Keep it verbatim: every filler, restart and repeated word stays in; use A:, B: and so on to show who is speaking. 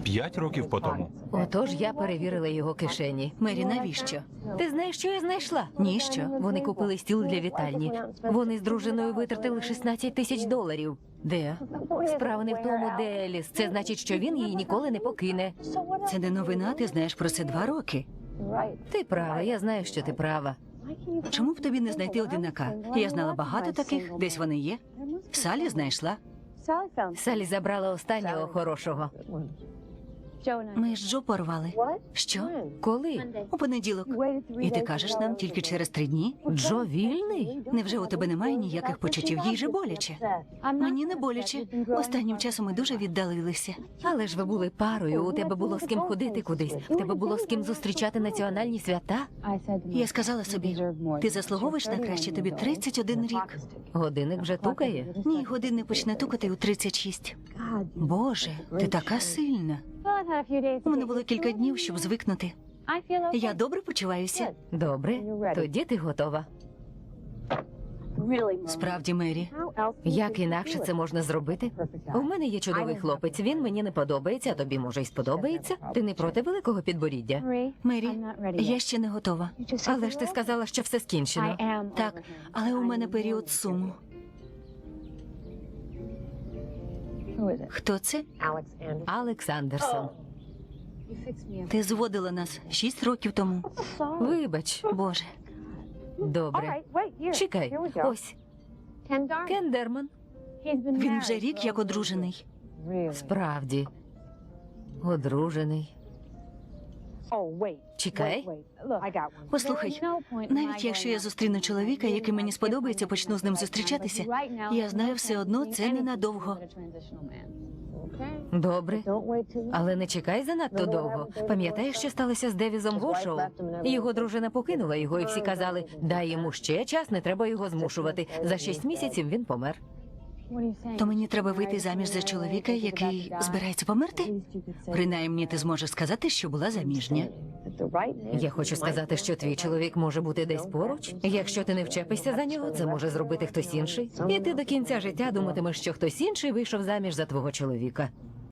A: П'ять років по тому.
B: Отож я перевірила його кишені.
C: Мері, навіщо?
B: Ти знаєш, що я знайшла?
C: Ніщо.
B: Вони купили стіл для вітальні. Вони з дружиною витратили шістнадцять тисяч доларів.
C: Де?
B: Справа не в тому, де Еліс. Це значить, що він її ніколи не покине.
C: Це не новина, ти знаєш про це два роки.
B: Ти права, я знаю, що ти права.
C: Чому б тобі не знайти одинака? Я знала багато таких, десь вони є. Салі знайшла.
B: Салі забрала останнього хорошого.
C: Ми з Джо порвали. Що?
B: Коли?
C: У понеділок. І ти кажеш нам тільки через три дні?
B: Джо вільний?
C: Невже у тебе немає ніяких почуттів? Їй же боляче. Мені не боляче. Останнім часом ми дуже віддалилися.
B: Але ж ви були парою, у тебе було з ким ходити кудись. В тебе було з ким зустрічати національні свята.
C: Я сказала собі, ти заслуговуєш на краще, тобі тридцять один рік.
B: Годинник вже тукає.
C: Ні, годинник почне тукати у тридцять шість. Боже, ти така сильна. У мене було кілька днів, щоб звикнути. Я добре почуваюся.
B: Добре, тоді ти готова.
C: Справді, Мері.
B: Як інакше це можна зробити? У мене є чудовий хлопець, він мені не подобається, а тобі, може, й сподобається. Ти не проти великого підборіддя?
C: Мері, я ще не готова.
B: Але ж ти сказала, що все скінчено.
C: Так, але у мене період суму. Хто це?
B: Алекс Андерсон.
C: Ти зводила нас шість років тому.
B: Вибач.
C: Боже.
B: Добре. Чекай, ось. Кен Дерман.
C: Він вже рік як одружений.
B: Справді. Одружений.
D: Чекай.
C: Послухай, навіть якщо я зустріну чоловіка, який мені сподобається, почну з ним зустрічатися, я знаю, все одно це ненадовго.
B: Добре. Але не чекай занадто довго. Пам'ятаєш, що сталося з Девізом Вошоу? Його дружина покинула його, і всі казали, дай йому ще час, не треба його змушувати. За шість місяців він помер.
C: То мені треба вийти заміж за чоловіка, який збирається померти? Принаймні ти зможеш сказати, що була заміжня.
B: Я хочу сказати, що твій чоловік може бути десь поруч. Якщо ти не вчепишся за нього, це може зробити хтось інший. І ти до кінця життя думатимеш, що хтось інший вийшов заміж за твого чоловіка.